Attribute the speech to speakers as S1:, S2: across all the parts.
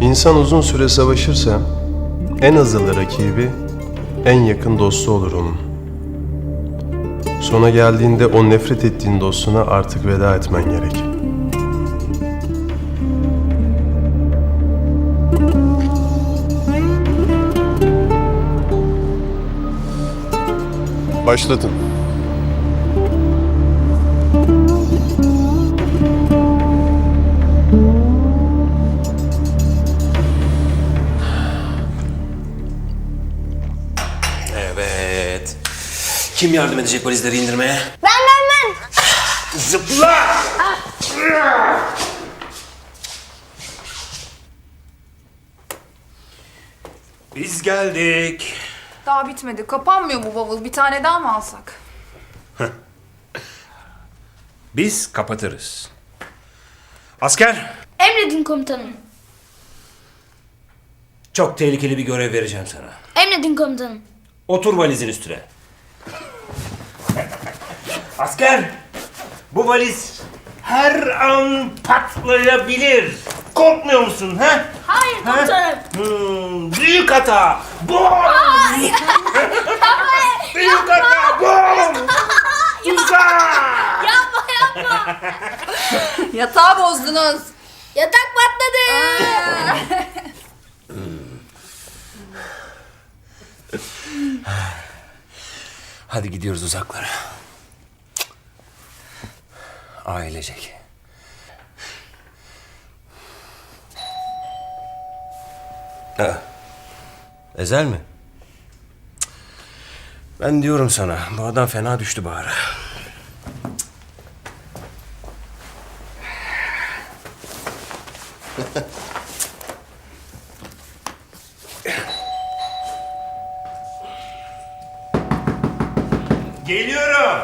S1: İnsan uzun süre savaşırsa en azılı rakibi en yakın dostu olur onun. Sona geldiğinde o nefret ettiğin dostuna artık veda etmen gerek. Başlatın.
S2: Evet. Kim yardım edecek valizleri indirmeye?
S3: Ben.
S2: Zıpla! Biz geldik.
S4: Daha bitmedi. Kapanmıyor bu bavul. Bir tane daha mı alsak?
S2: Biz kapatırız. Asker,
S3: Emredin komutanım.
S2: çok tehlikeli bir görev vereceğim sana.
S3: Emredin komutanım.
S2: Otur valizin üstüne. Asker, bu valiz her an patlayabilir. Korkmuyor musun ha?
S3: Hayır komutanım.
S2: Büyük hata. Bom! Büyük hata. Bom! Uzak!
S3: Yapma.
S4: Yatağı bozdunuz.
S3: Yatak patladı.
S2: Hadi gidiyoruz uzaklara. Ailecek. Ezel mi? Cık. Ben diyorum sana, bu adam fena düştü Bahar'a. Geliyorum.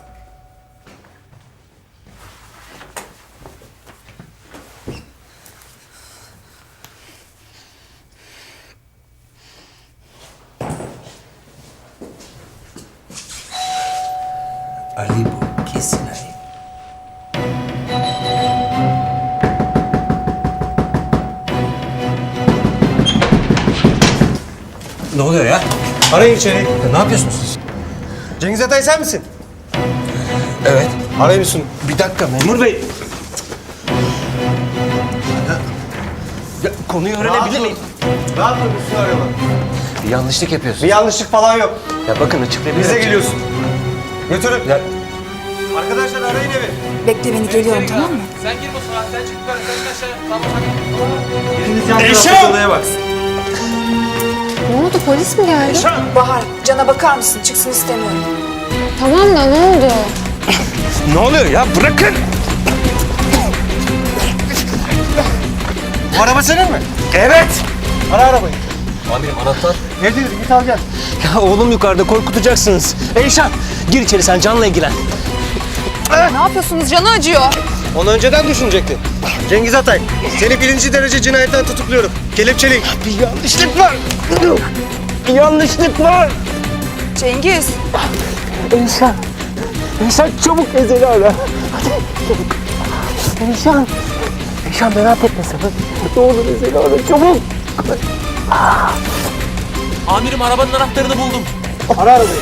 S2: Ali bu, kesin Ali. Ne oluyor ya?
S5: Arayın içeri.
S2: Ya ne yapıyorsunuz siz?
S5: Cengiz Atay sen misin?
S2: Evet.
S5: Arayın mısın?
S2: Bir dakika memur bey. Ya, konuyu öğrenebilir miyim?
S5: Rahat dur üstüne arıyorlar.
S2: Bir yanlışlık yapıyorsun.
S5: Bir yanlışlık falan yok.
S2: Ya bakın açıklayabilirim.
S5: Bize geliyorsun. Götürün.
S2: Ya
S5: Arkadaşlar arayın evi.
S4: Bekle beni geliyorum tamam mı?
S6: Sen gir mutfağa, sen çık yukarı, sen aşağıya. Tamam.
S5: Biriniz yan
S2: Eşan!
S5: tarafta odaya baksın.
S7: Ne oldu, polis mi geldi?
S4: Bahar, Can'a bakar mısın? Çıksın istemiyorum.
S7: Tamam da ne oldu?
S2: ne oluyor ya? Bırakın.
S5: Bu araba senin mi?
S2: Evet.
S5: Ara arabayı.
S2: Amirim anahtar.
S5: Evdedir git al gel.
S2: Ya oğlum yukarıda korkutacaksınız. Eyşan gir içeri sen Can'la ilgilen.
S4: Ne yapıyorsunuz? Canı acıyor.
S5: Onu önceden düşünecektin. Cengiz Atay, seni 1. derece cinayetten tutukluyorum. Kelepçeleyin.
S2: Bir yanlışlık var. Bir yanlışlık var.
S4: Cengiz.
S2: Eyşan. Eyşan çabuk Ezel'i ara. Hadi çabuk. Eyşan. Eyşan merak etme sen. Ne olur Ezel'i ara çabuk.
S6: Amirim arabanın anahtarını buldum.
S5: Ara arabayı.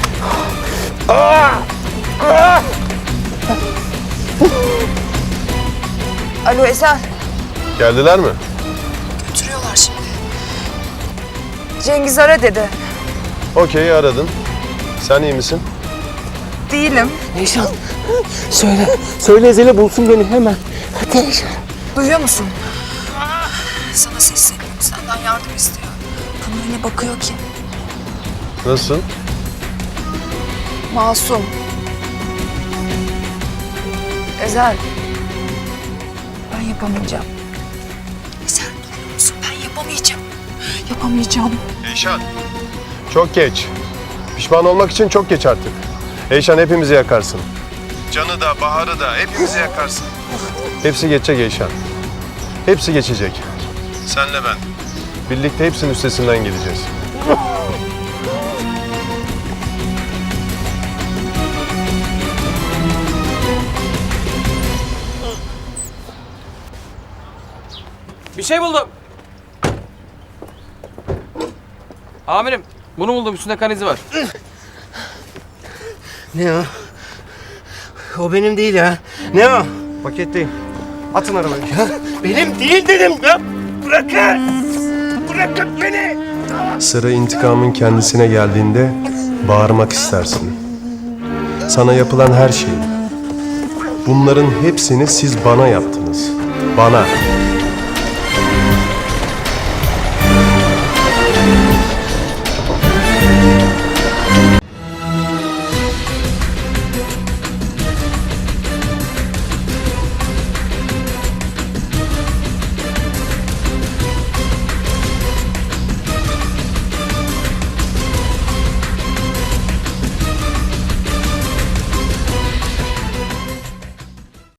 S4: Alo Ezel.
S1: Geldiler mi?
S4: Götürüyorlar şimdi. Cengiz ara dedi.
S1: Okey, aradın. Sen iyi misin?
S4: Değilim.
S2: Eyşan. Söyle. Söyle Ezel'e bulsun beni hemen. Hadi Eyşan.
S4: Duyuyor musun? Sana sesleniyorum. Senden yardım istiyor. Bana öyle bakıyor ki.
S1: Nasıl?
S4: Masum. Ezel. Ben yapamayacağım. Ezel duyuyor musun? Ben yapamayacağım. Yapamayacağım.
S1: Eyşan. Çok geç. Pişman olmak için çok geç artık. Eyşan hepimizi yakarsın. Can'ı da, Bahar'ı da hepimizi yakarsın. Hepsi geçecek Eyşan. Hepsi geçecek. Senle ben. Birlikte hepsinin üstesinden geleceğiz.
S6: Bir şey buldum. Amirim bunu buldum, üstünde kan izi var.
S5: Ne o? O benim değil ya. Ne o? Paketteyim. Atın arabayı. Ya, benim değil dedim ya. Bırakın. Bırakın beni.
S1: Sıra intikamın kendisine geldiğinde bağırmak istersin. Sana yapılan her şeyi. Bunların hepsini siz bana yaptınız. Bana.